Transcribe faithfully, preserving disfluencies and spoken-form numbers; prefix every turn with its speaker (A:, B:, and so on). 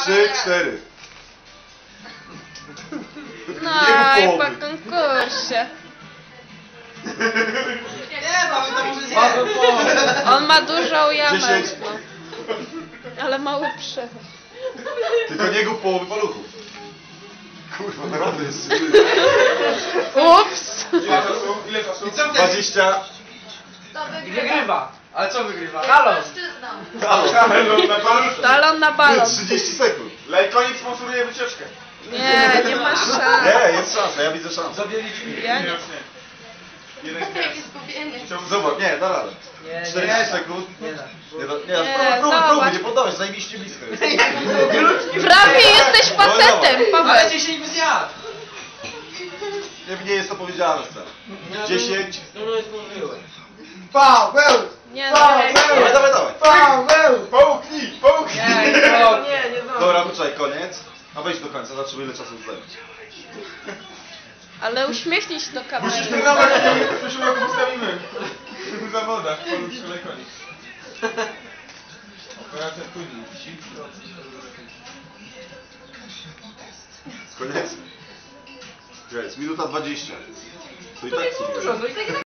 A: trzy, cztery.
B: No
A: Nie
B: i
A: mów
B: po
A: połowy.
B: konkursie.
C: Nie, mamy to może nie.
B: On ma dużą jamę.
A: Dziesięć.
B: No. Ale mały przewód.
A: Tylko nie gub połowy paluchów. Kurwa, naprawdę jest.
B: Ups!
D: Ile czasu? Ile czasu?
C: I co wtedy?
A: dwadzieścia.
E: To
C: I
E: wygrywa.
C: wygrywa. Ale co wygrywa?
E: Halo.
C: Halo.
A: Halo.
D: Kamel na paluszku.
B: Talon na balon.
A: trzydzieści sekund.
D: Lajkonik sponsoruje wycieczkę.
B: Nie, nie ma szans.
A: Nie, jest szansa, ja widzę szansę.
C: Zabieliśmy.
B: Ja
D: Nie,
B: nie.
D: już nie. Jeden z
E: Jakie
D: gwiazd.
E: skupienie.
D: Chciałbym
A: Zobacz, nie, da radę.
C: Nie, nie
A: czterdzieści
C: da.
A: sekund.
C: Nie da.
A: Nie, da, nie,
B: Nie,
A: próbuj, próbuj,
B: zobacz.
A: próbuj, nie poddałeś, zajebiście blisko jest.
B: Prawie jesteś facetem,
C: Ale
B: Paweł.
C: dziesięć by zjadł.
A: Nie, nie jest to powiedziane wcale. dziesięć.
C: No, no, zdążyłem.
D: Paweł!
B: Nie no.
A: Dawaj, dawaj, dawaj.
D: Paweł! Połknij! Połknij!
C: Nie, nie, nie, nie zdążyłem.
A: Dobra, poczekaj, koniec. A wejdź do końca, zobaczymy ile czasu zająć.
B: Ale uśmiechnij się do kamery.
D: Musisz ten numer, w przyszłym roku ustawimy. W zawodach, paluszczy lajkonik. Operacja później.
A: Koniec. Jest, minuta dwadzieścia. To i tak
C: Dużo,
A: sobie.
C: no i tak